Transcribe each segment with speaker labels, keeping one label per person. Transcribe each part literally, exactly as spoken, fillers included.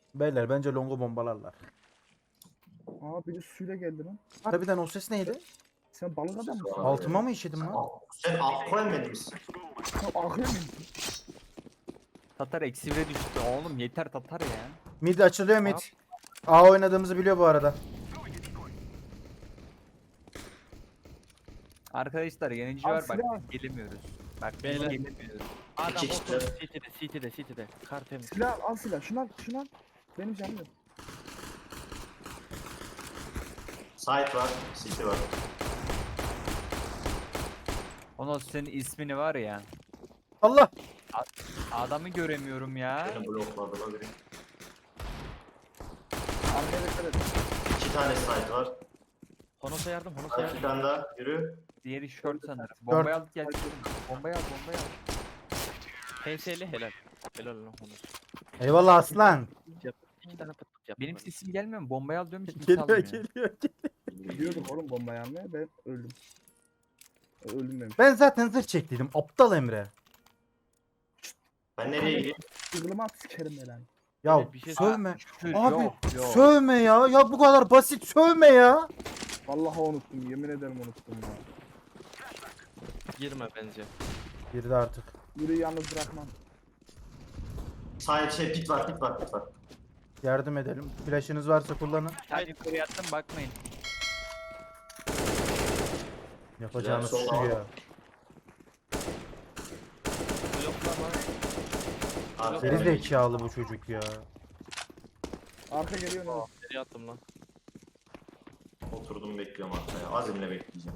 Speaker 1: Beyler bence longu bombalarlar.
Speaker 2: Aa biri suyla geldi lan.
Speaker 1: Harbiden o ses neydi?
Speaker 2: Sen balık adam mısın?
Speaker 1: Altıma mı işedim lan?
Speaker 3: Sen akla emmedin misin?
Speaker 2: Sen akıyor musun?
Speaker 4: Tatar eksi bire düştü oğlum yeter Tatar ya.
Speaker 1: Mid açılıyor mid. A oynadığımızı biliyor bu arada.
Speaker 4: Arkadaşlar yenici
Speaker 2: Abi
Speaker 4: var bak
Speaker 2: silah.
Speaker 4: biz gelemiyoruz. Bak biz
Speaker 5: Beyler.
Speaker 4: gelemiyoruz.
Speaker 5: Adam
Speaker 3: İki kişi.
Speaker 5: otur. City'de, City'de, City'de. Kar temiz.
Speaker 2: Silah al silah. Şunu al. Şunu al. Benim canım yok.
Speaker 3: Site var, city var.
Speaker 4: Onun senin ismini var ya.
Speaker 1: Allah!
Speaker 4: Adamı göremiyorum ya.
Speaker 3: Beni blokladı la biri.
Speaker 2: Arkaya dikkat et.
Speaker 3: İki tane site var.
Speaker 5: Honos'a yardım, Honos'a
Speaker 3: Hadi
Speaker 5: yardım.
Speaker 3: bir tane daha, yürü.
Speaker 4: Diğeri short sanırım. Bombayı alıp gel. Bombayı al bombayı al.
Speaker 5: P S'li helal. Helal lan Honos.
Speaker 1: Eyvallah aslan.
Speaker 5: Yap. İki tane pıt pıt yap.
Speaker 4: Benim sesim gelmiyor mu? Bombayı al diyorum hiç kimse
Speaker 1: Geliyor
Speaker 4: almıyor.
Speaker 1: geliyor.
Speaker 2: Gidiyorduk oğlum bombayı almaya. Ben öldüm. E, Öldüm demiş.
Speaker 1: Ben zaten zırh çektiydim. Aptal Emre.
Speaker 3: Ben nereye gideyim?
Speaker 2: Sığılıma at sikerim ben.
Speaker 1: Ya
Speaker 5: Evet, bir şey-
Speaker 1: sövme.
Speaker 4: Şükür,
Speaker 1: Abi
Speaker 4: yok, yok.
Speaker 1: sövme ya. Ya bu kadar basit sövme ya.
Speaker 2: Vallahi unuttum. Yemin ederim unuttum ya.
Speaker 5: Girme bence.
Speaker 1: Girdi artık.
Speaker 2: Yürü yalnız bırakmam.
Speaker 3: Site şey pit var, pit var, pit var.
Speaker 1: Yardım edelim. Flash'ınız varsa kullanın.
Speaker 4: Sen yukarı attım bakmayın.
Speaker 1: Yapacağınız
Speaker 3: Güzel,
Speaker 1: şu
Speaker 3: sol
Speaker 1: ya.
Speaker 5: Bloklama.
Speaker 3: Arka
Speaker 1: Geri zekalı bu çocuk ya.
Speaker 2: Arka geliyor ne?
Speaker 5: Nereye attım lan?
Speaker 3: Oturdum bekliyorum arkaya. Azimle bekleyeceğim.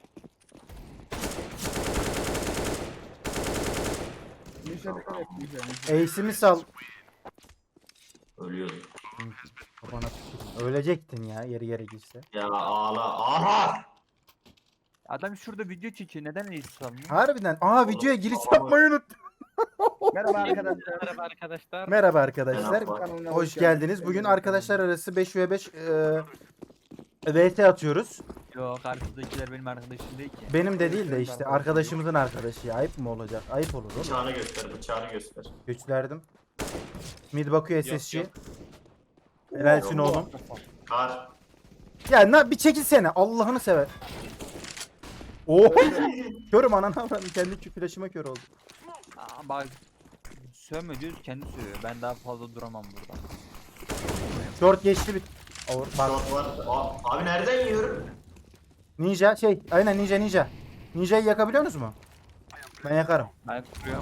Speaker 2: Nişe dikkat et. Nişe nişe.
Speaker 1: Ace'imi sal.
Speaker 3: Ölüyordum.
Speaker 1: Kafana tüküreyim. Ölecektin ya yeri yere girse.
Speaker 3: Ya ağla. Aha!
Speaker 4: Adam şurada video çekiyor. Neden reis sanmıyor?
Speaker 1: Harbiden. Aa videoya giriş
Speaker 3: Tamam.
Speaker 1: yapmayı unuttum.
Speaker 2: Merhaba arkadaşlar.
Speaker 5: Merhaba arkadaşlar.
Speaker 1: Merhaba arkadaşlar.
Speaker 3: Merhaba.
Speaker 2: Kanalına
Speaker 1: Hoş geldiniz. Bugün arkadaşlar arası beş ve beş eee V T atıyoruz.
Speaker 4: Yok karşıdakiler benim arkadaşım değil ki.
Speaker 1: Benim de değil de işte arkadaşımızın arkadaşı. Ya. Ayıp mı olacak? Ayıp olur oğlum.
Speaker 3: Bıçağını göster, bıçağını göster.
Speaker 1: Güçlerdim. Mid bakıyor
Speaker 5: Yok,
Speaker 1: S S G.
Speaker 5: yok.
Speaker 1: Helalsin oğlum.
Speaker 3: Kar.
Speaker 1: Ya na bir çekilsene. Allah'ını sever. Oo. Körüm ananı avradım. Kendi flaşıma kör oldu.
Speaker 4: Aa, bak sövme diyoruz kendi sövüyor. Ben daha fazla duramam burada.
Speaker 1: Short geçti bir. Or, bak.
Speaker 3: Short var. Aa, abi nereden yiyorum?
Speaker 1: Ninja şey. Aynen ninja ninja. Ninja'yı yakabiliyor musunuz mu? Ben yakarım.
Speaker 4: Ben kuruyorum.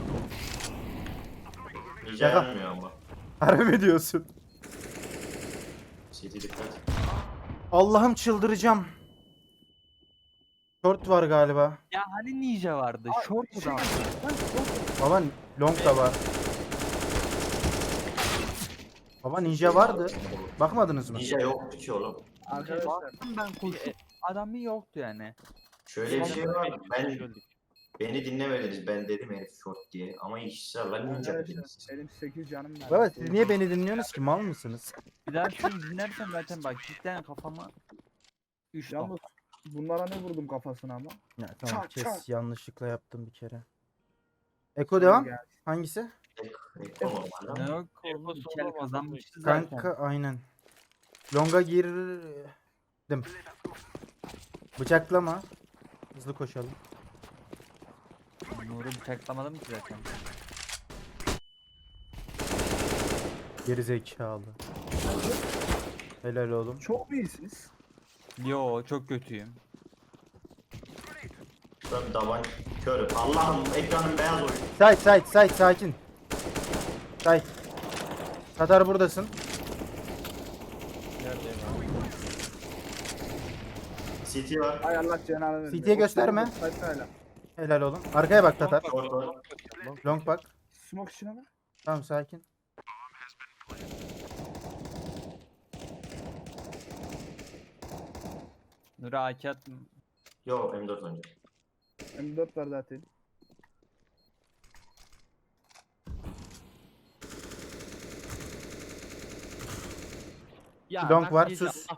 Speaker 3: Ninja
Speaker 1: Şaka.
Speaker 3: yanmıyor ama.
Speaker 1: Harbi mi diyorsun?
Speaker 3: City dikkat.
Speaker 1: Allah'ım çıldıracağım. Short var galiba.
Speaker 4: Ya hani ninja vardı? Short mu da? vardı?
Speaker 1: Baba long da var. Baba ninja vardı. Bakmadınız mı?
Speaker 3: Ninja yoktu ki oğlum.
Speaker 2: Arkadaşlar.
Speaker 4: Baktım ben koşup adamı yoktu yani.
Speaker 3: Şöyle bir şey var. Ben
Speaker 5: Öldük.
Speaker 3: beni dinlemediniz. Ben dedim herif short diye. Ama ısrarla ninja
Speaker 2: Arkadaşlar
Speaker 3: dediniz.
Speaker 2: benim sekiz canım var.
Speaker 1: Baba siz niye beni dinliyorsunuz ki? Mal mısınız?
Speaker 4: Bir daha şunu dinlersem zaten bak cidden kafama üç
Speaker 2: Yalnız
Speaker 4: nokta.
Speaker 2: bunlara ne vurdum kafasına ama.
Speaker 1: Ya tamam
Speaker 2: Çak,
Speaker 1: kes
Speaker 2: çak.
Speaker 1: yanlışlıkla yaptım bir kere. Eko devam.
Speaker 2: Yani.
Speaker 1: Hangisi?
Speaker 3: Ekran normalde
Speaker 4: Ne
Speaker 3: ama.
Speaker 4: yok oğlum
Speaker 5: Yapası
Speaker 4: iki el
Speaker 5: olamaz,
Speaker 4: kazanmıştı zaten.
Speaker 1: Kanka aynen. Longa girdim. Bıçaklama. Hızlı koşalım.
Speaker 4: Nur'u bıçaklamadım ki zaten.
Speaker 1: Geri zekalı. Helal oğlum.
Speaker 2: Çok mu iyisiniz?
Speaker 4: Yo çok kötüyüm.
Speaker 3: Şurada bir davan körüm. Allah'ım ekranım beyaz oyun.
Speaker 1: Sait Sait Sait sakin. Sait. Tatar buradasın.
Speaker 5: Neredeyim abi?
Speaker 3: City var.
Speaker 2: Hay Allah cenabı versin.
Speaker 1: C T'ye gösterme.
Speaker 2: Sayfayla.
Speaker 1: Helal oğlum. Arkaya bak Tatar.
Speaker 3: Short var.
Speaker 1: Long bak.
Speaker 2: Smoke içine mi?
Speaker 1: Tamam sakin.
Speaker 4: Nur'a A K attım.
Speaker 3: Yo M dört önce.
Speaker 2: M dört var zaten.
Speaker 5: Ya
Speaker 1: Long
Speaker 5: bak
Speaker 1: var,
Speaker 5: diyeceğim,
Speaker 1: sus.
Speaker 5: ah.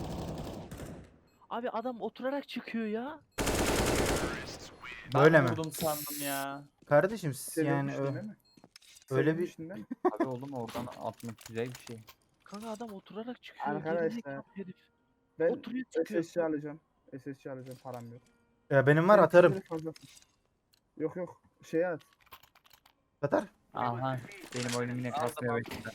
Speaker 5: Abi adam oturarak çıkıyor ya.
Speaker 4: Ben
Speaker 1: Böyle mi?
Speaker 4: vurdum sandım ya.
Speaker 1: Kardeşim siz
Speaker 2: Seviyorum
Speaker 1: yani
Speaker 2: işte,
Speaker 1: ö-
Speaker 2: değil mi?
Speaker 1: Öyle
Speaker 2: Senin
Speaker 1: bir-
Speaker 2: içinde.
Speaker 4: Abi oğlum oradan atmak güzel bir şey.
Speaker 5: Kanka adam oturarak çıkıyor.
Speaker 2: Arkadaşlar,
Speaker 5: gerizekalı herif.
Speaker 2: Ben
Speaker 5: Oturuyor çıkıyor.
Speaker 2: S S C alacağım. S S C alacağım, param yok.
Speaker 1: Ya benim var
Speaker 2: Senin
Speaker 1: atarım.
Speaker 2: kimleri fazlasın. Yok yok. Şey at.
Speaker 1: Atar.
Speaker 4: Aha benim oyunum yine
Speaker 5: Aldım,
Speaker 4: kasmaya
Speaker 5: aldım.
Speaker 4: başladı.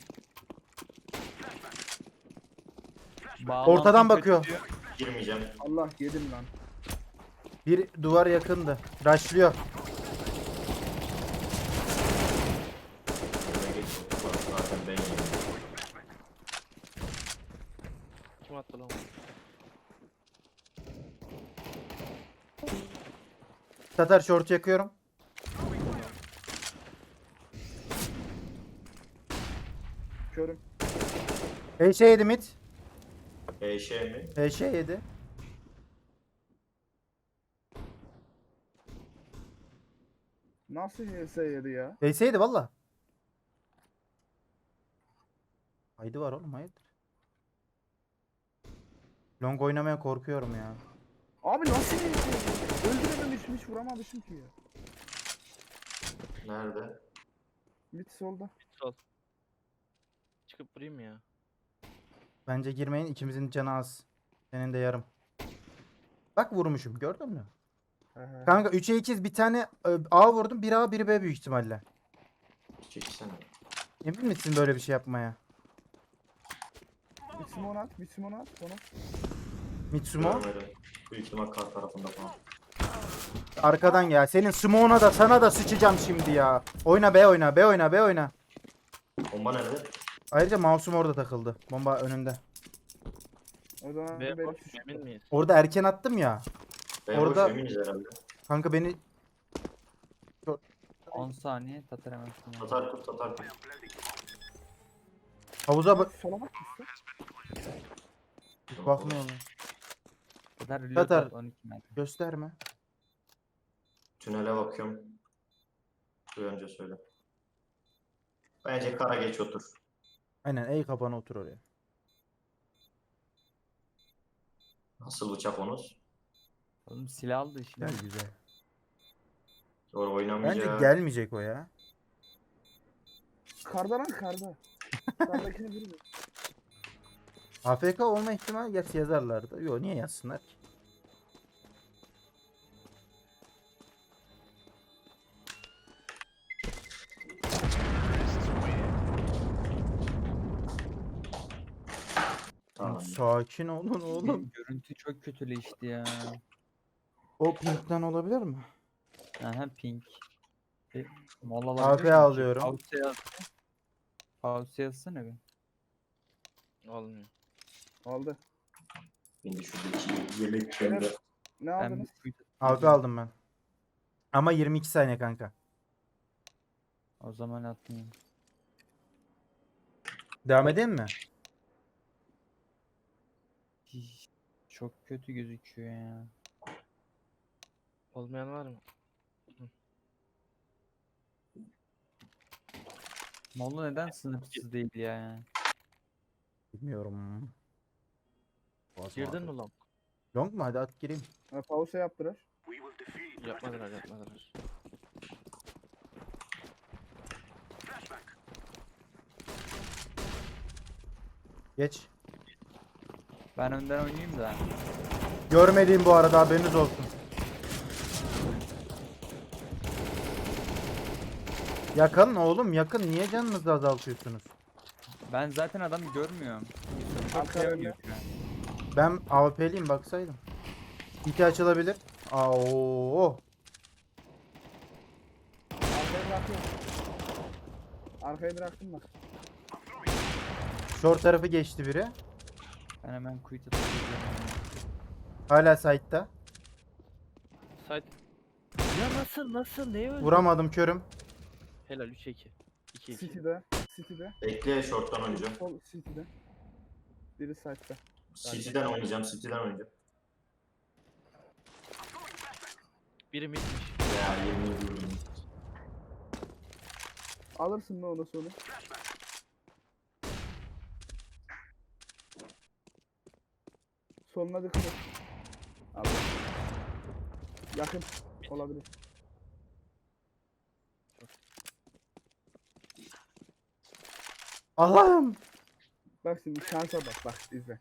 Speaker 1: Ortadan
Speaker 4: Bağlantım
Speaker 1: bakıyor.
Speaker 4: kötü diyor.
Speaker 3: Girmeyeceğim.
Speaker 2: Allah yedim lan.
Speaker 1: Bir duvar yakındı. Rushlıyor.
Speaker 3: Öne geç otur. Zaten ben yiyeyim.
Speaker 5: Kim attı lan?
Speaker 1: Tatar short yakıyorum.
Speaker 2: Körüm.
Speaker 1: H yedi mid.
Speaker 3: E şey mi?
Speaker 1: H yedi.
Speaker 2: Nasıl H S yedi ya?
Speaker 1: H yedi valla. Haydi var oğlum hayırdır. Long oynamaya korkuyorum ya.
Speaker 2: Abi nasıl H S yedi? Öldürememişim, hiç vuramamışım ki ya.
Speaker 3: Nerede?
Speaker 2: Mid solda.
Speaker 5: Sol. Çıkıp vurayım mı ya?
Speaker 1: Bence girmeyin, ikimizin canı az. Senin de yarım. Bak vurmuşum, gördün mü?
Speaker 2: He he.
Speaker 1: Kanka üçe ikiz bir tane e, A vurdum. Biri A biri B büyük ihtimalle.
Speaker 3: Çekilsene.
Speaker 1: Emin misin böyle bir şey yapmaya?
Speaker 2: Bir simon at, bir simon at. Onu.
Speaker 1: Mitsumo
Speaker 3: Görmedim. Büyük ihtimal kar tarafında falan.
Speaker 1: arkadan ya. Senin Smoke'una da sana da sıçacağım şimdi ya. Oyna B oyna B oyna B oyna.
Speaker 3: Bomba nerede?
Speaker 1: Ayrıca mouse'um orada takıldı. Bomba önünde.
Speaker 2: O zaman
Speaker 5: Ve
Speaker 2: benim
Speaker 5: boş
Speaker 2: suçum.
Speaker 5: emin miyiz?
Speaker 1: Orada erken attım ya.
Speaker 3: Ben
Speaker 1: Orada-
Speaker 3: Orada... eminiz herhalde.
Speaker 1: Kanka beni
Speaker 4: on saniye Tatar hemen sonra.
Speaker 3: Tatar kurt tatar kurt.
Speaker 1: havuza bak
Speaker 2: Sola bak işte.
Speaker 1: bakmıyorlar.
Speaker 4: Tatar reload
Speaker 1: Tatar.
Speaker 4: at on iki metre.
Speaker 1: Gösterme.
Speaker 3: Tünele bakıyorum. Bir önce söyle. Bence kara geç otur.
Speaker 1: Aynen ey kapana otur oraya.
Speaker 3: Nasıl bıçak onuz?
Speaker 4: Oğlum silah aldı şimdi.
Speaker 1: Gel güzel.
Speaker 3: Doğru
Speaker 1: Bence
Speaker 3: oynamayacak.
Speaker 1: gelmeyecek o ya.
Speaker 2: Karda lan karda. Kardakine vurma.
Speaker 1: A F K olma ihtimali gerçi yazarlardı. Yo niye yazsınlar ki?
Speaker 3: Tamam.
Speaker 1: Sakin olun oğlum.
Speaker 4: Görüntü çok kötüleşti ya.
Speaker 1: O pinkten olabilir mi?
Speaker 4: Aha pink. E, mola
Speaker 1: A F
Speaker 4: alabilir miyim?
Speaker 1: alıyorum.
Speaker 4: Pause yaz. Pause yazsana bir.
Speaker 5: Olmuyor.
Speaker 2: Aldı.
Speaker 3: Şimdi şuradaki yemek
Speaker 2: Evet.
Speaker 3: kendi.
Speaker 2: Ne
Speaker 4: Ben
Speaker 2: aldınız?
Speaker 4: bir
Speaker 1: A F aldım ben. Ama yirmi iki saniye kanka.
Speaker 4: O zaman atmayayım.
Speaker 1: Devam edeyim mi?
Speaker 4: Hiş, çok kötü gözüküyor ya.
Speaker 5: Olmayan var mı?
Speaker 4: Molla neden sınırsız değil ya?
Speaker 1: Bilmiyorum. Boğazım
Speaker 5: Girdin
Speaker 1: ağrıyor.
Speaker 5: mi lan?
Speaker 1: Long mu? Hadi at gireyim.
Speaker 2: Ha, pause yaptılar.
Speaker 5: Yapmadılar yapmadılar.
Speaker 1: Geç.
Speaker 4: Ben önden oynayayım da.
Speaker 1: Görmediğim bu arada haberiniz olsun. Yakın oğlum yakın. Niye canınızı azaltıyorsunuz?
Speaker 4: Ben zaten adamı görmüyorum. Çok
Speaker 2: Arka
Speaker 4: şey
Speaker 2: önde.
Speaker 4: oynuyor şu an.
Speaker 1: Ben A W P'liyim baksaydım. İki açılabilir. Aa, oo.
Speaker 2: Arkaya bırakıyorum. Arkaya bıraktım bak.
Speaker 1: Short tarafı geçti biri.
Speaker 4: Ben hemen quit atıyorum.
Speaker 1: Hala side'da.
Speaker 5: Side. Ya nasıl nasıl neye öldü?
Speaker 1: Vuramadım körüm.
Speaker 5: Helal üç iki. iki iki.
Speaker 2: City'de. City'de.
Speaker 3: Bekle short'tan oynayacağım.
Speaker 2: Sol City'de. Biri side'da.
Speaker 3: City'den oynayacağım. City'den oynayacağım.
Speaker 5: Biri midmiş.
Speaker 3: Ya yemin ediyorum.
Speaker 2: Alırsın mı onu sonra? Soluna dikkat et. Al. Yakın olabilir.
Speaker 1: Allah'ım.
Speaker 2: Bak şimdi şansa bak bak izle.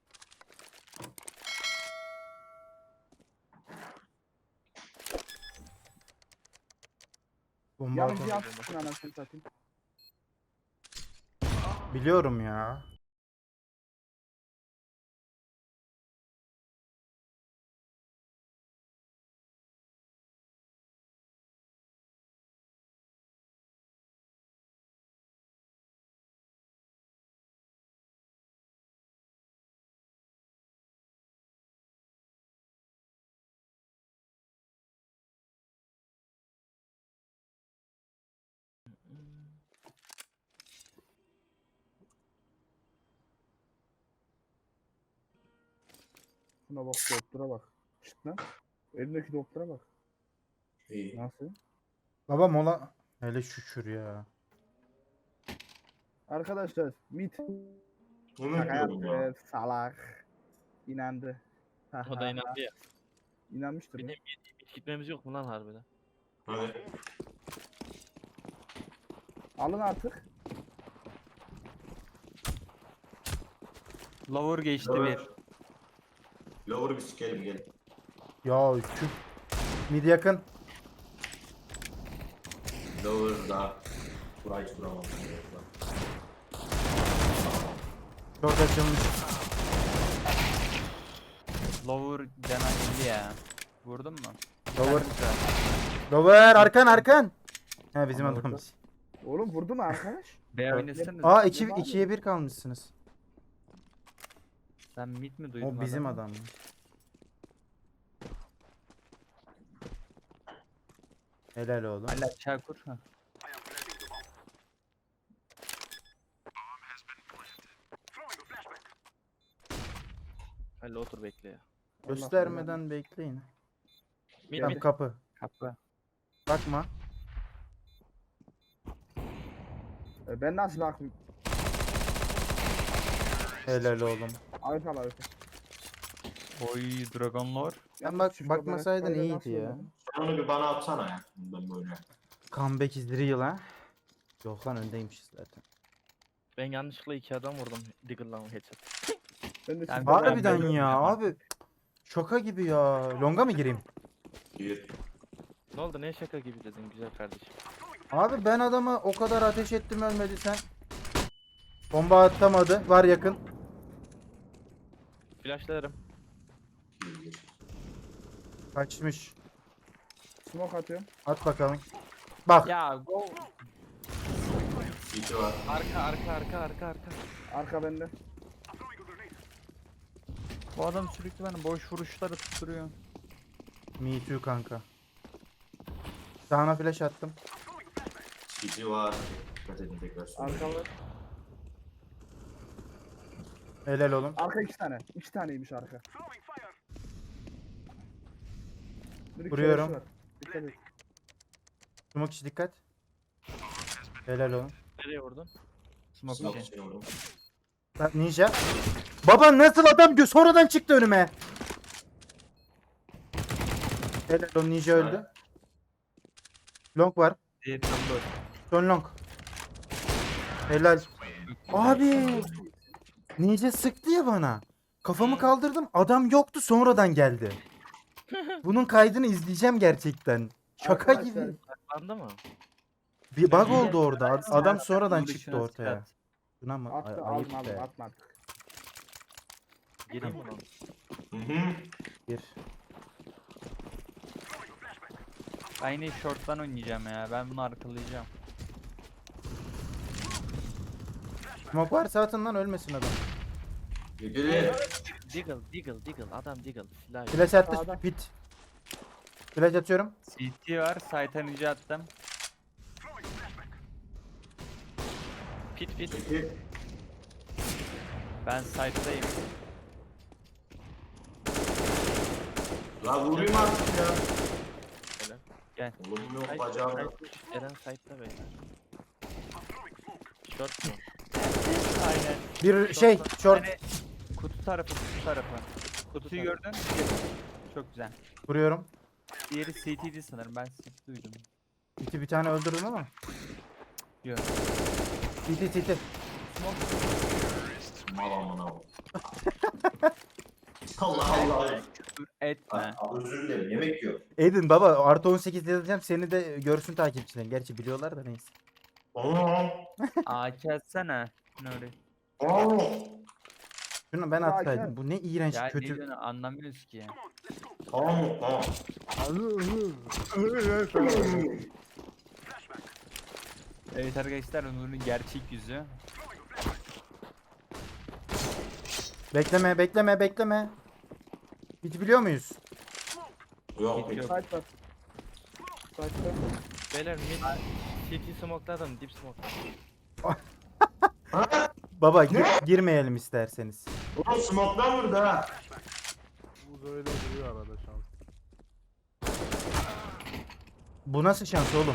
Speaker 1: Bomba
Speaker 2: Yalnız
Speaker 1: atalım.
Speaker 2: yansın anasını satayım.
Speaker 1: Biliyorum ya.
Speaker 2: Buna bak doktora bak. Şşt lan. Elimdeki doktora bak.
Speaker 3: İyi.
Speaker 2: Nasıl?
Speaker 1: Baba mola. Hele şükür ya.
Speaker 2: Arkadaşlar mit.
Speaker 3: Bunu
Speaker 2: Şaka
Speaker 3: diyorum ya.
Speaker 2: yaptı. Salak. İnandı.
Speaker 5: O da inandı ya.
Speaker 2: İnanmıştır
Speaker 5: Bir
Speaker 2: ya.
Speaker 5: de hiç gitmemiz yok mu lan harbiden?
Speaker 3: Hadi.
Speaker 2: Alın artık.
Speaker 4: Lower geçti
Speaker 3: Lower.
Speaker 4: bir.
Speaker 3: Lower'ı bir sikelim gelin.
Speaker 1: Ya şu mid yakın.
Speaker 3: Lower'da. Burayı hiç vuramam.
Speaker 1: Short açılmış.
Speaker 4: Lower cana indi ya. Vurdun mu?
Speaker 1: Lower.
Speaker 4: Güzel.
Speaker 1: Lower arkan arkan. He bizim
Speaker 2: Ama
Speaker 1: adamız.
Speaker 2: Oğlum vurdu mu arkadaş?
Speaker 4: B oynasana.
Speaker 1: Aa iki ikiye bir kalmışsınız.
Speaker 4: Sen mid mi duydun?
Speaker 1: O bizim
Speaker 4: adamı?
Speaker 1: adam. Helal oğlum.
Speaker 4: Hala Çakur. Ha.
Speaker 5: Hadi otur bekle ya.
Speaker 1: Göstermeden bekleyin.
Speaker 5: Mid
Speaker 1: Tam
Speaker 5: mid.
Speaker 1: kapı.
Speaker 4: Kapı.
Speaker 1: Bakma.
Speaker 2: E, ben nasıl bakayım?
Speaker 1: Helal oğlum.
Speaker 2: Ayıp al ayıp.
Speaker 4: Oy Dragon Lord.
Speaker 1: Sen bak
Speaker 2: Şu
Speaker 1: bakmasaydın
Speaker 2: kamerayı
Speaker 1: iyiydi
Speaker 2: nasıl
Speaker 1: ya.
Speaker 2: oynadın?
Speaker 3: Sen onu bir bana atsana ya. Ben böyle.
Speaker 1: Comeback is real ha. Yok lan öndeymişiz zaten.
Speaker 5: Ben yanlışlıkla iki adam vurdum. Diggle'la headshot.
Speaker 2: Ben de
Speaker 4: Yani
Speaker 2: siz-
Speaker 4: Var
Speaker 1: Harbiden
Speaker 4: ben
Speaker 1: ya
Speaker 4: yapamam.
Speaker 1: abi. Şoka gibi ya. Longa mı gireyim?
Speaker 3: Gir.
Speaker 5: Ne oldu ne şaka gibi dedin güzel kardeşim.
Speaker 1: Abi ben adama o kadar ateş ettim ölmedi sen. Bomba atamadı. Var yakın.
Speaker 5: Flashlarım.
Speaker 3: Gir gir.
Speaker 1: Kaçmış.
Speaker 2: Smoke atıyorum.
Speaker 1: At bakalım. Bak.
Speaker 4: Ya go.
Speaker 3: City var.
Speaker 5: Arka arka arka arka arka.
Speaker 2: Arka bende.
Speaker 4: Bu adam sürekli bana boş vuruşları tutturuyor.
Speaker 1: Me too kanka. Sağına flash attım.
Speaker 3: City var. Dikkat edin tekrar söyleyeyim.
Speaker 2: Arka var.
Speaker 1: Helal oğlum.
Speaker 2: Arka iki tane. İki taneymiş arka. Bir
Speaker 1: Vuruyorum.
Speaker 2: köresi var. Dikkat et.
Speaker 1: Smoke içi dikkat. Helal oğlum.
Speaker 5: Nereye vurdun?
Speaker 4: Smoke
Speaker 3: Smoke
Speaker 4: için.
Speaker 3: için oğlum.
Speaker 1: Bak ninja. Baba nasıl adam gö sonradan çıktı önüme. Helal oğlum ninja öldü. Long var.
Speaker 4: Diğeri tam boş.
Speaker 1: Son long. Helal. Abi. Ninja sıktı ya bana. Kafamı kaldırdım. Adam yoktu sonradan geldi. Bunun kaydını izleyeceğim gerçekten. Şaka
Speaker 2: Arkadaşlar,
Speaker 1: gibi.
Speaker 5: Saklandı mı?
Speaker 1: Bir bug oldu orada. Ad- Adam sonradan
Speaker 4: Bunun
Speaker 1: çıktı
Speaker 4: dışına
Speaker 1: ortaya.
Speaker 4: sıkat.
Speaker 1: Buna mı? Ay-
Speaker 2: Attı
Speaker 1: ayıp
Speaker 2: aldım aldım
Speaker 1: be.
Speaker 2: atma artık.
Speaker 5: Gireyim mi lan?
Speaker 3: Hı hı.
Speaker 1: Bir.
Speaker 4: Ben yine short'tan oynayacağım ya. Ben bunu arkalayacağım.
Speaker 1: Smoke varsa atın lan ölmesin adam.
Speaker 3: Gir gir.
Speaker 5: Diggle diggle diggle adam diggle silah yok.
Speaker 1: Flash attı.
Speaker 2: Sağda.
Speaker 1: Pit. Flash atıyorum.
Speaker 4: C T var. Site'a ninja attım.
Speaker 5: Pit pit.
Speaker 3: City.
Speaker 4: Ben site'dayım.
Speaker 3: La vurayım artık ya.
Speaker 5: Helal.
Speaker 4: Gel.
Speaker 3: Oğlum yok
Speaker 5: Side-
Speaker 3: bacağım.
Speaker 5: side- Eren side'da beyler. Short mu?
Speaker 4: Aynen.
Speaker 1: Bir şey short.
Speaker 4: Hani kutu tarafı, kutu tarafı. Kutuyu
Speaker 5: tarafı.
Speaker 4: gördün. Çok güzel.
Speaker 1: Vuruyorum.
Speaker 4: Diğeri C T'di sanırım. Ben C T duydum.
Speaker 1: İki bir tane öldürdüm ama.
Speaker 4: Yok.
Speaker 1: Titi titi.
Speaker 3: Mal amına bu. Allah Allah.
Speaker 4: Küfür etme.
Speaker 3: Aa, özür dilerim yemek yiyor.
Speaker 1: Edin baba artı on sekiz yazacağım seni de görsün takipçilerin. Gerçi biliyorlar da neyse.
Speaker 3: Aa,
Speaker 4: A K atsana. Nuri.
Speaker 3: aa.
Speaker 1: Şunu ben
Speaker 2: Ya
Speaker 1: atsaydım.
Speaker 2: Hakan.
Speaker 1: Bu ne iğrenç
Speaker 4: Ya ne
Speaker 1: kötü.
Speaker 4: diyorsun anlamıyoruz ki.
Speaker 3: Tamam mı? Tamam.
Speaker 4: Evet arkadaşlar Nuri'nin gerçek yüzü.
Speaker 1: Bekleme bekleme bekleme. Hiç biliyor muyuz?
Speaker 3: Yok
Speaker 4: Yok.
Speaker 3: peki.
Speaker 2: Site var. Site var.
Speaker 5: Beyler mid city smoke'ladım dip smoke.
Speaker 1: Baba gi- girmeyelim isterseniz.
Speaker 3: Ulan smoke'dan vurdu ha.
Speaker 6: Bu böyle duruyor arada şans.
Speaker 1: Bu nasıl şans oğlum?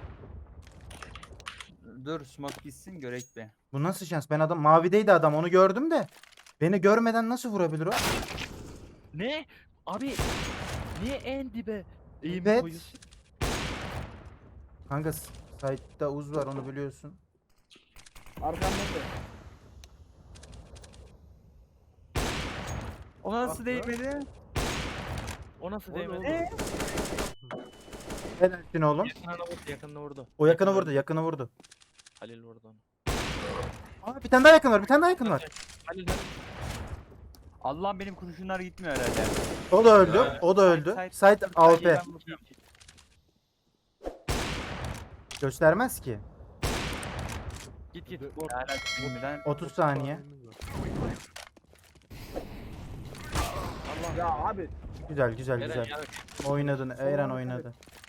Speaker 4: Dur smoke gitsin görek be.
Speaker 1: Bu nasıl şans? Ben adam mavideydi adam onu gördüm de. Beni görmeden nasıl vurabilir o?
Speaker 5: Ne? Abi niye en dibe eğim
Speaker 1: Evet.
Speaker 5: koyuyorsun?
Speaker 1: Kanka s- site'da uz var onu biliyorsun.
Speaker 2: Arkamda da.
Speaker 4: O nasıl
Speaker 6: Bak
Speaker 4: değmedi?
Speaker 5: O nasıl
Speaker 6: O ne
Speaker 5: değmedi?
Speaker 6: oğlum?
Speaker 1: Helalsin oğlum.
Speaker 5: Yakınına vurdu, yakınına vurdu.
Speaker 1: O yakını vurdu yakını vurdu.
Speaker 5: Halil vurdu onu.
Speaker 1: Aa, bir tane daha yakın var bir tane daha yakın var.
Speaker 5: Halil Halil.
Speaker 4: Allah'ım benim kurşunlar gitmiyor herhalde.
Speaker 1: O da öldü.
Speaker 3: Yani.
Speaker 1: O da öldü.
Speaker 4: Site-
Speaker 1: Site A W P.
Speaker 4: Ben bakıyorum.
Speaker 1: Göstermez ki.
Speaker 5: Git git.
Speaker 6: De-
Speaker 5: Vur.
Speaker 4: Hala bilmeden
Speaker 1: otuz saniye.
Speaker 6: saniyemiz var.
Speaker 5: Allah.
Speaker 2: Ya abi.
Speaker 1: Güzel güzel
Speaker 5: Eren
Speaker 1: güzel.
Speaker 5: ya.
Speaker 1: Oynadın. Eren oynadı.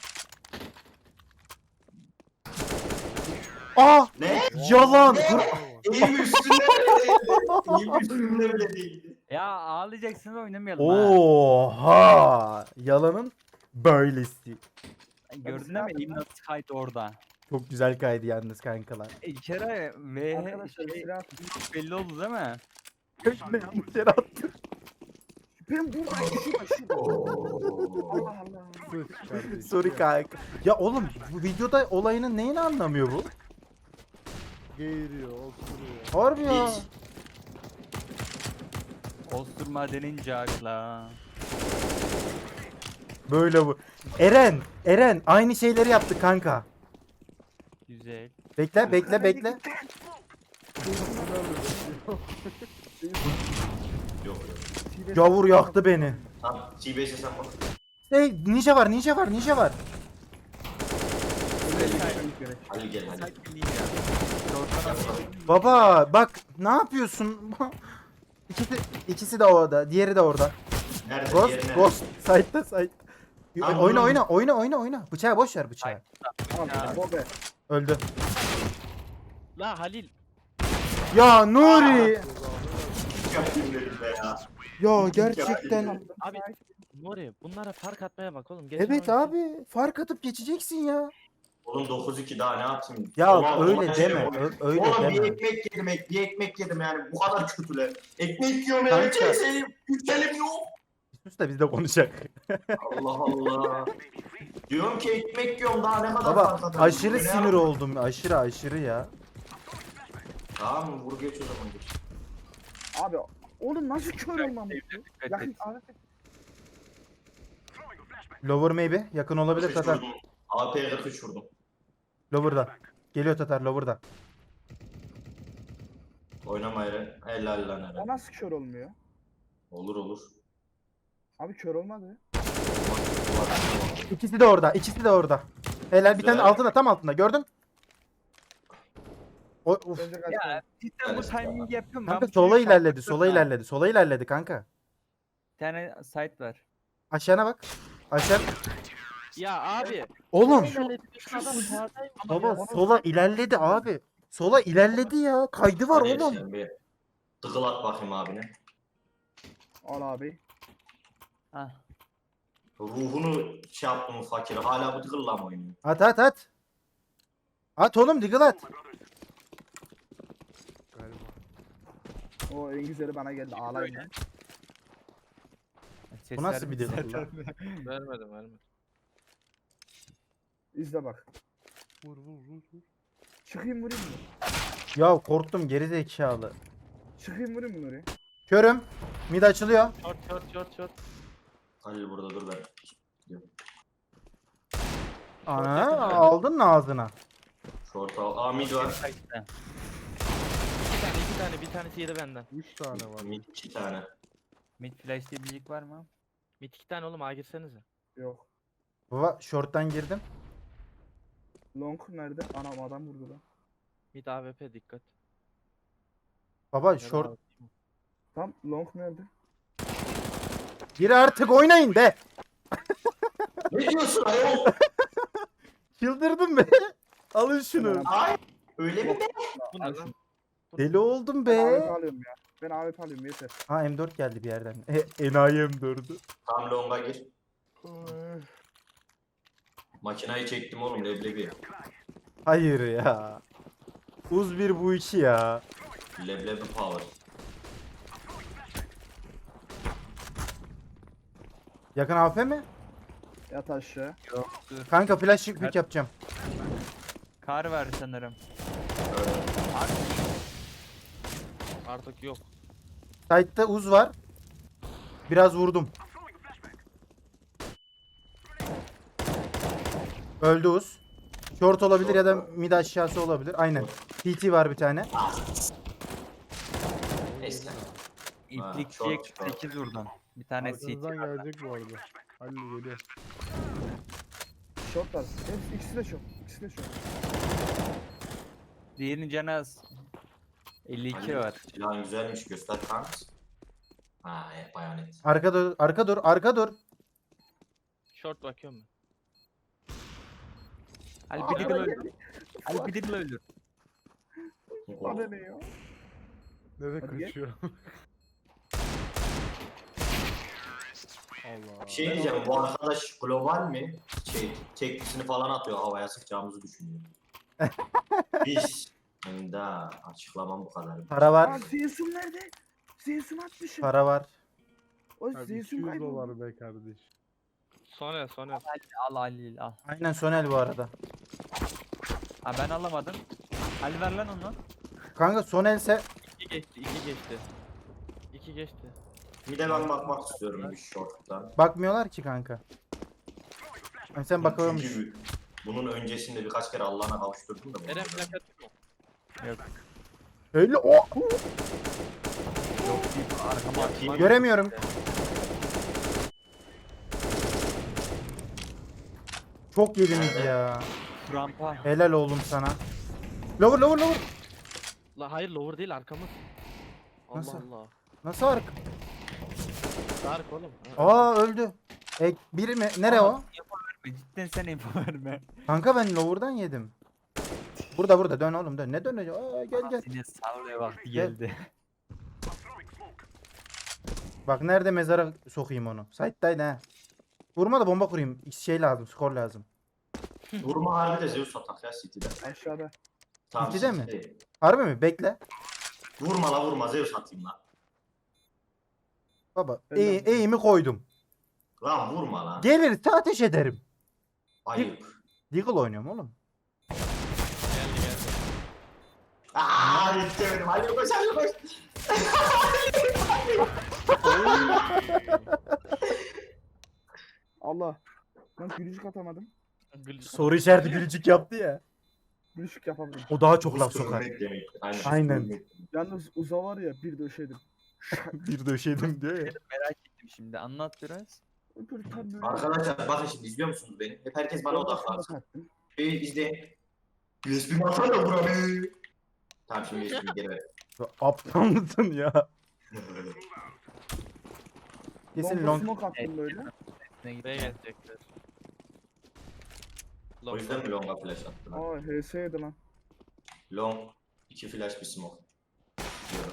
Speaker 1: Aa!
Speaker 3: Ne?
Speaker 1: Yalan!
Speaker 3: Ne?
Speaker 1: Kur-
Speaker 3: Eğim üstünde bile değildi. Eğim üstünde bile değildi.
Speaker 4: Ya ağlayacaksınız oynamayalım ha.
Speaker 1: Oha! Yalanın böylesi.
Speaker 4: Gördün değil mi? Elim nasıl kaydı orada.
Speaker 1: Çok güzel kaydı yalnız kankalar.
Speaker 4: İlk kere ve
Speaker 2: Arkadaşlar
Speaker 4: şey,
Speaker 2: silah.
Speaker 4: belli oldu değil mi?
Speaker 1: Köşme yanlış yere attım.
Speaker 2: Ben buradayım. Şurada şurada. Allah Allah.
Speaker 6: Sıç kardeşim.
Speaker 1: Sorry kanka. Ya oğlum bu videoda olayının neyini anlamıyor bu?
Speaker 6: Geğiriyor, osuruyor.
Speaker 1: Harbi ya.
Speaker 3: Hiç.
Speaker 4: Osturma denince akla.
Speaker 1: Böyle bu. Eren, Eren aynı şeyleri yaptık kanka.
Speaker 4: Güzel.
Speaker 1: Bekle, bekle, bekle.
Speaker 3: Yok yok.
Speaker 1: Gavur yaktı beni.
Speaker 3: Tamam. T beşe sen bak.
Speaker 1: Hey, ninja var, ninja var, ninja var.
Speaker 3: Hadi gel hadi.
Speaker 1: Baba bak ne yapıyorsun? İkisi, ikisi de orada, diğeri de orada.
Speaker 3: Nerede?
Speaker 1: Ghost,
Speaker 3: Diğeri nerede?
Speaker 1: Ghost. Side'da side.
Speaker 3: Tamam,
Speaker 1: Oyna
Speaker 3: vurun.
Speaker 1: oyna oyna oyna oyna. Bıçağı boş ver bıçağı.
Speaker 2: Tamam. Bobe.
Speaker 1: Öldü.
Speaker 5: La Halil.
Speaker 1: Ya Nuri.
Speaker 3: Yapayım dedim be ya.
Speaker 1: Ya gerçekten.
Speaker 5: Abi Nuri bunlara fark atmaya bak oğlum. Geçen
Speaker 1: Evet
Speaker 5: oyun-
Speaker 1: abi fark atıp geçeceksin ya.
Speaker 3: Oğlum dokuz iki daha ne yapayım?
Speaker 1: Ya
Speaker 3: Ulan,
Speaker 1: öyle
Speaker 3: ulan şey
Speaker 1: deme.
Speaker 3: yok.
Speaker 1: ö- öyle
Speaker 3: Oğlum bir
Speaker 1: deme.
Speaker 3: ekmek yedim, ek- bir ekmek yedim yani bu kadar kötüler. Ekmek yiyorum
Speaker 1: Kanka.
Speaker 3: yani şeyim, yükselim yok.
Speaker 1: Sus da biz de konuşacak.
Speaker 3: Allah Allah. Diyorum ki ekmek yiyorum daha ne kadar
Speaker 1: Baba
Speaker 3: fark atarım?
Speaker 1: aşırı
Speaker 3: Ne
Speaker 1: sinir
Speaker 3: yapayım?
Speaker 1: oldum. Aşırı aşırı ya.
Speaker 3: Tamam mı? Vur geç o zaman geç.
Speaker 2: Abi. Oğlum nasıl kör olmam bu?
Speaker 4: Dikkat
Speaker 2: Yakın
Speaker 4: et.
Speaker 2: abi.
Speaker 1: Lower maybe. Yakın olabilir
Speaker 3: kırk üç
Speaker 1: Tatar.
Speaker 3: vurdum. A P'ye kırk üç vurdum.
Speaker 1: Lower'da. Geliyor Tatar Lower'da.
Speaker 3: Oynama Eren. Helal lan
Speaker 2: O
Speaker 3: Eren.
Speaker 2: nasıl kör olmuyor?
Speaker 3: Olur olur.
Speaker 2: Abi kör olmadı.
Speaker 1: İkisi de orada. İkisi de orada. Helal bir tane
Speaker 3: Güzel.
Speaker 1: altında tam altında gördün. O, uf.
Speaker 2: Bence kaç
Speaker 4: Ya cidden bu
Speaker 3: Evet.
Speaker 4: timing yapıyorum.
Speaker 1: Kanka
Speaker 4: Ben bu
Speaker 1: sola
Speaker 4: çocuğu
Speaker 1: ilerledi.
Speaker 4: şartlattım
Speaker 1: Sola
Speaker 4: ha.
Speaker 1: ilerledi. Sola ilerledi kanka.
Speaker 4: Bir tane site var.
Speaker 1: Aşağına bak. Aşağı.
Speaker 5: Ya abi.
Speaker 1: Oğlum.
Speaker 5: Şu adam sağdayım ama
Speaker 1: Baba
Speaker 5: ya.
Speaker 1: sola ilerledi abi. Sola ilerledi ya. Kaydı var
Speaker 3: Hadi
Speaker 1: oğlum.
Speaker 3: sen bir tıkıl at bakayım abine.
Speaker 2: Al abi.
Speaker 4: Hah.
Speaker 3: Ruhunu şey yaptım fakir. Hala bu tıkılla mı oynuyor?
Speaker 1: At at at. At oğlum diggle at.
Speaker 6: Galiba.
Speaker 2: O en güzeli bana geldi. Ağlayın. lan.
Speaker 4: Ses
Speaker 1: Bu nasıl bir
Speaker 4: vermedi
Speaker 1: diggle
Speaker 4: zaten.
Speaker 1: lan?
Speaker 5: Vermedim vermedim.
Speaker 2: İzle bak.
Speaker 6: Vur vur vur vur.
Speaker 2: Çıkayım vurayım mı?
Speaker 1: Ya korktum geri zekalı.
Speaker 2: Çıkayım vurayım bunu oraya.
Speaker 1: Körüm. Mid açılıyor.
Speaker 5: Short short short short.
Speaker 3: Halil burada dur ben.
Speaker 1: Ana aldın mı ağzına?
Speaker 3: Short al. Aa mid var.
Speaker 4: Site'de.
Speaker 5: İki tane iki tane bir tanesi yedi benden.
Speaker 6: üç tane var.
Speaker 3: Mid iki tane.
Speaker 4: Mid flash diyebilecek var mı?
Speaker 5: Mid iki tane oğlum A girsenize.
Speaker 2: Yok.
Speaker 1: Baba short'tan girdim.
Speaker 2: Long nerede? Anam adam vurdu lan.
Speaker 5: Mid A W P dikkat.
Speaker 1: Baba
Speaker 5: Ya da
Speaker 1: short.
Speaker 5: A W P.
Speaker 2: Tam long nerede?
Speaker 1: Gir artık oynayın be.
Speaker 3: Ne diyorsun ayol?
Speaker 1: Çıldırdım be. Alın şunu.
Speaker 3: Ay. Öyle mi be?
Speaker 5: Bu ne lan?
Speaker 1: Deli oldum
Speaker 2: Ben A W P
Speaker 1: be.
Speaker 2: alıyorum ya. Ben A W P alıyorum yeter.
Speaker 1: Ha M dört geldi bir yerden. E, enayi M dördü.
Speaker 3: Tam longa gir. Makinayı çektim oğlum leblebi.
Speaker 1: Hayır ya. Uz bir bu iki ya.
Speaker 3: Leblebi power.
Speaker 1: Yakın A F mi?
Speaker 2: Yat aşağı.
Speaker 4: Yok dur.
Speaker 1: Kanka flash pick yapacağım.
Speaker 4: Kar var sanırım.
Speaker 5: Artık yok.
Speaker 1: Side'da uz var. Biraz vurdum. Öldü uz. Short olabilir ya da mid aşağısı olabilir. Aynen. T T var bir tane.
Speaker 3: Neyse.
Speaker 4: İplik
Speaker 3: çok
Speaker 4: diye
Speaker 3: çok.
Speaker 4: sekiz vurdum. Bir tane C T
Speaker 6: Arkanızdan
Speaker 4: var.
Speaker 6: gelecek bu arada. Halil geliyor.
Speaker 2: Short var. Hepsi ikisi de short. İkisi de short.
Speaker 4: Diğerinin canı az. elli iki
Speaker 3: Halil,
Speaker 4: var.
Speaker 3: Silahın güzelmiş göster kanka. Ha e, bayonet.
Speaker 1: Arka dur, arka dur, arka dur.
Speaker 5: Short bakıyorum ben.
Speaker 4: Ali bir diggle öldür. Ali bir diggle öldür.
Speaker 2: Bana ne ya?
Speaker 6: Nereye
Speaker 2: Hadi gel.
Speaker 6: kaçıyor? Allah.
Speaker 3: Bir şey diyeceğim bu arkadaş global mi? Şey teklisini falan atıyor havaya sıkacağımızı düşünüyor. Biz. Da açıklamam bu kadar.
Speaker 1: Para
Speaker 2: Aa
Speaker 1: var,
Speaker 2: Zeus'um nerede? Zeus'um atmışım.
Speaker 1: para var.
Speaker 2: O
Speaker 6: Abi
Speaker 2: Zeus'um
Speaker 6: iki yüz
Speaker 2: kayboldu.
Speaker 6: dolar be kardeş.
Speaker 5: Sonra sonra.
Speaker 4: Al Ali al.
Speaker 1: Aynen Sonel bu arada.
Speaker 4: Ha ben alamadım. Ali ver lan onu.
Speaker 1: Kanka Sonelse
Speaker 5: İki geçti iki geçti. İki geçti.
Speaker 3: Bir de ben bakmak istiyorum bir short'tan.
Speaker 1: bakmıyorlar ki kanka. Yani sen bakıyormuş.
Speaker 3: Çünkü bunun öncesinde birkaç kere Allah'ına kavuşturdum da. bunu.
Speaker 5: Eren plakat yok mu?
Speaker 4: Yok.
Speaker 1: Öyle o.
Speaker 4: Yok deyip arkama atmak.
Speaker 1: Göremiyorum. Çok yediniz ya.
Speaker 4: Rampa.
Speaker 1: Helal oğlum sana. Lower lower lower.
Speaker 5: La hayır lower değil arkamız. Allah
Speaker 1: Nasıl?
Speaker 5: Allah.
Speaker 1: Nasıl arka?
Speaker 5: Dark oğlum. Ha.
Speaker 1: Aa öldü. E, biri mi? Nere o?
Speaker 4: Cidden sen info verme.
Speaker 1: Kanka ben lower'dan yedim. Burada burada dön oğlum dön. Ne dönecek? Aa gel gel.
Speaker 4: Yine sallaya vakti
Speaker 1: Gel.
Speaker 4: geldi.
Speaker 1: Bak nerede mezara sokayım onu. Side'daydı ha. Vurma da bomba kurayım. Şey lazım, skor lazım.
Speaker 3: Vurma harbi de Zeus atak ya City'de.
Speaker 2: Aşağıda.
Speaker 3: Tamam,
Speaker 1: City'de mi?
Speaker 3: City'de.
Speaker 1: Harbi mi? Bekle.
Speaker 3: Vurma la vurma Zeus atayım la.
Speaker 1: Baba
Speaker 2: Ben
Speaker 1: eğ,
Speaker 2: de-
Speaker 1: eğimi koydum.
Speaker 3: Lan vurma la.
Speaker 1: Gelirse ateş ederim.
Speaker 3: Ayıp.
Speaker 1: Deagle oynuyorum oğlum.
Speaker 5: Geldi geldi.
Speaker 3: Aaa yetişemedim. Hadi koş hadi koş.
Speaker 2: Allah. Lan gülücük atamadım.
Speaker 5: Gül-
Speaker 1: Soru işareti gülücük yaptı ya.
Speaker 2: Gülücük yapamadım.
Speaker 1: O daha çok laf
Speaker 3: Buz
Speaker 1: sokar.
Speaker 3: görmek demek. Aynen.
Speaker 1: Aynen.
Speaker 3: Buz görmek.
Speaker 2: Yalnız uza var ya bir döşedim.
Speaker 1: Bir döşedim diyor ya.
Speaker 4: Merak ettim şimdi. Anlat biraz.
Speaker 2: Öbür tam böyle.
Speaker 3: Arkadaşlar bakın şimdi izliyor musunuz beni? Hep herkes bana
Speaker 2: Orada
Speaker 3: odaklansın.
Speaker 2: şuna taktım.
Speaker 3: Şeyi izleyin. U S B atsana da buranı. Tamam şimdi U S B'yi geri ver.
Speaker 1: Aptal mısın ya? Kesin
Speaker 2: Longa
Speaker 1: long.
Speaker 2: smoke attım böyle.
Speaker 4: Ne gitti?
Speaker 5: B'ye gelecekler.
Speaker 3: O
Speaker 5: Long.
Speaker 3: yüzden mi longa flash attın? ha?
Speaker 2: Aa H S yedi lan.
Speaker 3: Long, iki flash bir smoke. Diyorum.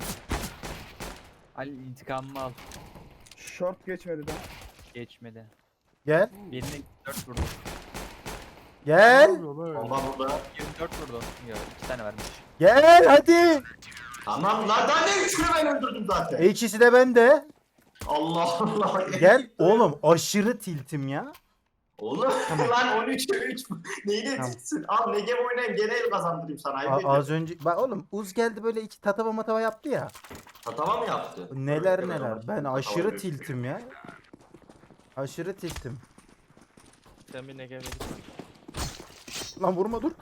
Speaker 4: Ali intikamımı al.
Speaker 2: Short geçmedi daha.
Speaker 4: Geçmedi.
Speaker 1: Gel.
Speaker 4: Birine yirmi dört vurdu.
Speaker 6: Ne
Speaker 1: Gel.
Speaker 6: yapıyor lan öyle?
Speaker 3: Bomba burada.
Speaker 4: yirmi dört vurdu. Yok iki tane vermiş.
Speaker 1: Gel hadi.
Speaker 3: Tamam lan daha ne üçünü ben öldürdüm zaten.
Speaker 1: E ikisi de bende.
Speaker 3: Allah Allah.
Speaker 1: Gel oğlum aşırı tiltim ya.
Speaker 3: Oğlum
Speaker 1: Tamam.
Speaker 3: lan on üçe üç. Neyine
Speaker 1: Tamam.
Speaker 3: çıksın? Al Negev oynayayım gene el kazandırayım sana. Ayıp
Speaker 1: A-
Speaker 3: ediyorum.
Speaker 1: az önce bak oğlum Uz geldi böyle iki tatava matava yaptı ya.
Speaker 3: Tatava mı yaptı?
Speaker 1: Neler
Speaker 3: Öyle
Speaker 1: neler.
Speaker 3: ama.
Speaker 1: Ben
Speaker 3: Tatava
Speaker 1: aşırı
Speaker 3: yapıyor.
Speaker 1: tiltim ya. Aşırı tiltim.
Speaker 5: Sen bir Negev'e git.
Speaker 1: Lan vurma dur.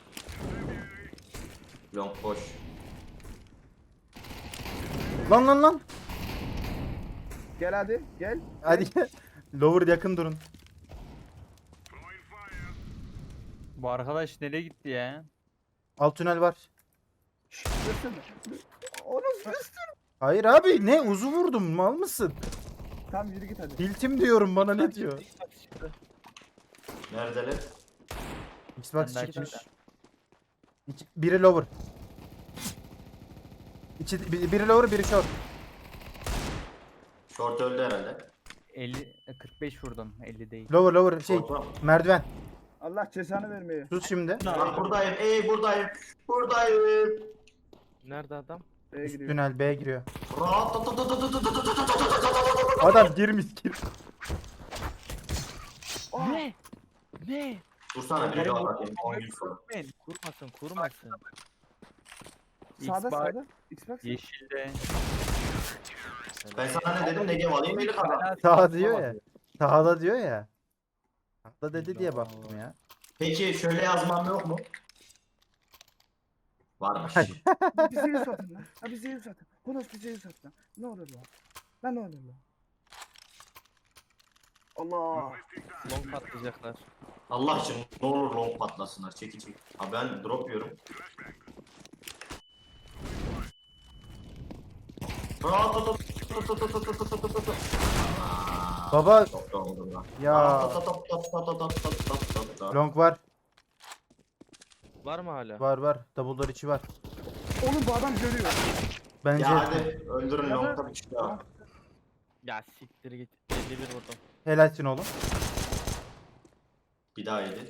Speaker 3: Long boş.
Speaker 1: Lan lan lan.
Speaker 2: Gel hadi gel.
Speaker 1: Hadi gel. Lower yakın durun.
Speaker 4: Bu arkadaş nereye gitti ya?
Speaker 1: Alt tünel var.
Speaker 2: Şşş versene. Onu sus.
Speaker 1: Hayır abi ne Uz'u vurdum mal mısın?
Speaker 2: Tamam yürü git hadi.
Speaker 1: Tiltim diyorum bana ne diyor?
Speaker 5: Xbox çıktı.
Speaker 3: Neredeler?
Speaker 1: Xbox
Speaker 4: Ben de
Speaker 1: çıkmış.
Speaker 4: açtım.
Speaker 1: İki- biri lower. İki, bi- biri lower biri short.
Speaker 3: Short öldü herhalde.
Speaker 4: elli kırk beş vurdum. elli değil.
Speaker 1: Lower lower şey
Speaker 3: Short var mı?
Speaker 1: merdiven.
Speaker 2: Allah cezanı vermeye.
Speaker 1: Sus şimdi.
Speaker 3: Lan buradayım. Ey buradayım. Buradayım.
Speaker 5: Nerede adam?
Speaker 2: B'ye
Speaker 1: Üst
Speaker 2: gidiyor.
Speaker 1: tünel B giriyor.
Speaker 3: Rahat.
Speaker 1: Adam girmiş gir.
Speaker 5: Ne? Ne?
Speaker 3: Dursana bir daha bakayım. on gün sonra.
Speaker 5: Ben kurmasın kurmasın.
Speaker 2: Sağda
Speaker 4: Xbox
Speaker 2: sağda. Xbox.
Speaker 4: yeşilde.
Speaker 3: Ben sana ne dedim? Negev alayım eli kazan.
Speaker 1: Sağ diyor ya. Sağda diyor ya. Sağda dedi diye baktım ya.
Speaker 3: Peki şöyle yazmam yok mu? Varmış.
Speaker 1: Hayır.
Speaker 2: Bize yüz atın lan. Ha bize yüz atın. Konuş bize yüz at lan. Ne olur lan. Lan ne olur lan. Allah.
Speaker 5: Long patlayacaklar.
Speaker 3: Allah için ne olur long patlasınlar. Çekil çekil. Ha ben drop yiyorum. Rahat.
Speaker 1: Baba
Speaker 3: Çok da oldum lan.
Speaker 1: ya long var.
Speaker 5: Var mı hala?
Speaker 1: Var var. Double door içi var.
Speaker 2: Oğlum bu adam görüyor.
Speaker 1: Bence
Speaker 3: Ya hadi öldürün longta bir kişi daha.
Speaker 5: Ya siktir git. elli bir vurdum.
Speaker 1: helalsin oğlum.
Speaker 3: Bir daha yedi.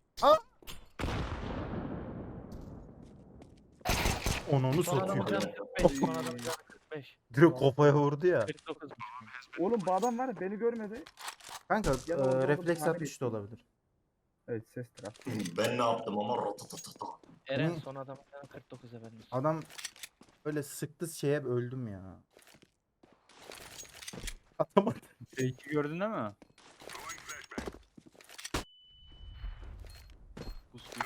Speaker 1: Onunu
Speaker 5: Son adamın
Speaker 1: satıyor.
Speaker 5: canı kırk beş. Son adamın canı kırk beş.
Speaker 1: Direkt kafaya vurdu ya.
Speaker 5: kırk dokuz.
Speaker 2: Oğlum bu adam var ya beni görmedi.
Speaker 1: Kanka
Speaker 2: Ya
Speaker 1: e,
Speaker 2: da orada
Speaker 1: refleks
Speaker 2: tahmin
Speaker 1: atmış da
Speaker 2: ettim.
Speaker 1: olabilir.
Speaker 2: Evet ses taraf.
Speaker 3: Ben ne yaptım ama rotatatata.
Speaker 5: Eren
Speaker 1: Hı.
Speaker 5: son adamın canı kırk dokuz efendim.
Speaker 1: Adam böyle sıktı şeye öldüm ya. Atamadı.
Speaker 4: Fake'i gördün değil mi? Bus bus.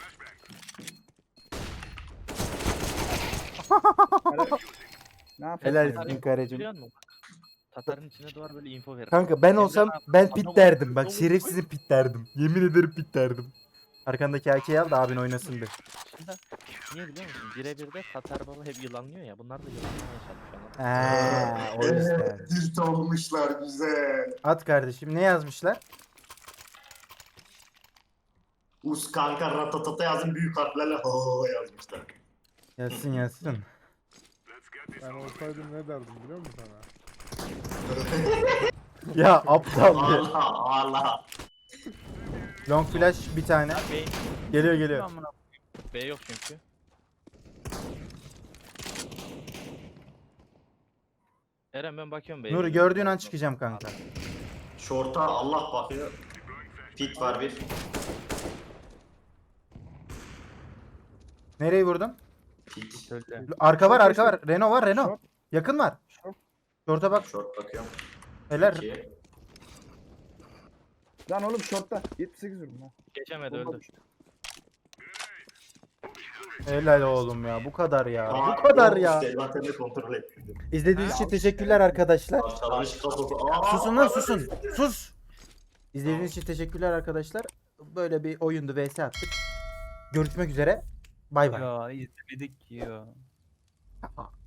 Speaker 2: Ne yapıyorsun?
Speaker 1: Helal
Speaker 2: ya?
Speaker 1: olsun karecim.
Speaker 5: Biliyor musun? Tatarın içine doğar böyle info verir.
Speaker 1: Kanka ben
Speaker 5: Emre
Speaker 1: olsam
Speaker 5: abi,
Speaker 1: ben
Speaker 5: adamı-
Speaker 1: pit derdim. Bak
Speaker 5: adamı-
Speaker 1: şerefsizin pit derdim. Yemin ederim pit derdim. Arkandaki erkeği al da abin oynasın bir.
Speaker 5: Şimdi niye biliyor musun? Birebir de Tatar baba hep yılanlıyor ya. Bunlar da yılanlamaya çalışıyorlar.
Speaker 1: Eee o yüzden.
Speaker 3: Dirt olmuşlar güzel.
Speaker 1: At kardeşim ne yazmışlar?
Speaker 3: Us kanka ratatata yazın büyük harflerle ho yazmışlar.
Speaker 1: Yazsın yazsın.
Speaker 6: Ben olsaydım ne derdim biliyor musun sana?
Speaker 1: Ya aptal ya.
Speaker 3: Allah Allah.
Speaker 1: Long flash bir tane.
Speaker 5: B,
Speaker 1: Geliyor geliyor.
Speaker 4: Amına
Speaker 5: B yok çünkü. Eren ben bakıyorum B'ye.
Speaker 1: Nuri gördüğün an çıkacağım kanka.
Speaker 3: Şorta Allah bakıyor. Pit var bir.
Speaker 1: Nereyi vurdun?
Speaker 3: Pit.
Speaker 4: söyle.
Speaker 1: Arka var arka var. Renault var Renault.
Speaker 2: Short.
Speaker 1: Yakın var.
Speaker 2: Short.
Speaker 1: Şorta bak.
Speaker 3: Short bakıyorum.
Speaker 1: Helal.
Speaker 3: İki.
Speaker 2: Lan oğlum shortta. yetmiş sekiz vurdum ha.
Speaker 5: Geçemedi öldü.
Speaker 1: Helal oğlum ya. Bu kadar ya.
Speaker 3: Aa,
Speaker 1: Bu kadar
Speaker 3: yok
Speaker 1: ya.
Speaker 3: işte, zaten de kontrol etmedim.
Speaker 1: İzlediğiniz için teşekkürler arkadaşlar.
Speaker 3: Parçalanmış kasosu. Aa,
Speaker 1: Susun lan susun. Sus. İzlediğiniz için teşekkürler arkadaşlar. Böyle bir oyundu V S attık. Görüşmek üzere. Bay bay.
Speaker 4: Ya izlemedik ki ya.